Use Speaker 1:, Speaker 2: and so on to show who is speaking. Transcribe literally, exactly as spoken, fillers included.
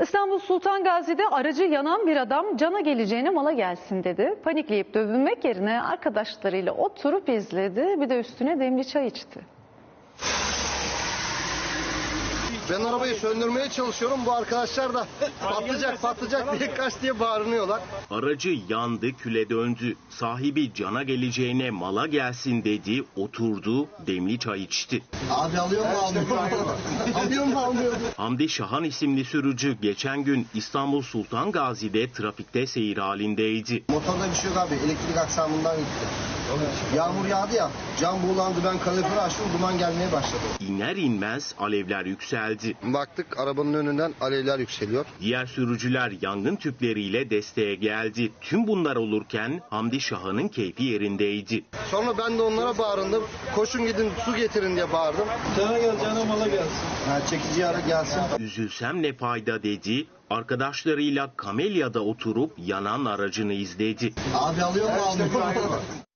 Speaker 1: İstanbul Sultan Gazi'de aracı yanan bir adam cana geleceğine mala gelsin dedi. Panikleyip dövünmek yerine arkadaşlarıyla oturup izledi. Bir de üstüne demli çay içti.
Speaker 2: Ben arabayı söndürmeye çalışıyorum. Bu arkadaşlar da patlayacak patlayacak diye kaç diye bağırıyorlar.
Speaker 3: Aracı yandı, küle döndü. Sahibi cana geleceğine mala gelsin dedi, oturdu, demli çay içti.
Speaker 2: Abi alıyor mu almıyor mu? Alıyor mu almıyor mu?
Speaker 3: Hamdi Şahan isimli sürücü geçen gün İstanbul Sultan Gazi'de trafikte seyir halindeydi.
Speaker 2: Motorda bir şey yok abi. Elektrik aksamından gitti. Yağmur yağdı ya. Cam buğulandı. Ben kaloriferi açtım. Duman gelmeye başladı.
Speaker 3: İner inmez alevler yükseldi.
Speaker 2: Baktık arabanın önünden alevler yükseliyor.
Speaker 3: Diğer sürücüler yangın tüpleriyle desteğe geldi. Tüm bunlar olurken Hamdi Şahan'ın keyfi yerindeydi.
Speaker 2: Sonra ben de onlara bağırdım. Koşun gidin su getirin diye bağırdım.
Speaker 4: Cana gel, cana mala gelsin.
Speaker 2: Ha, çekici ara gelsin.
Speaker 3: Üzülsem ne fayda dedi. Arkadaşlarıyla Kamelya'da oturup yanan aracını izledi.
Speaker 2: Abi alıyor mu almıyor mu?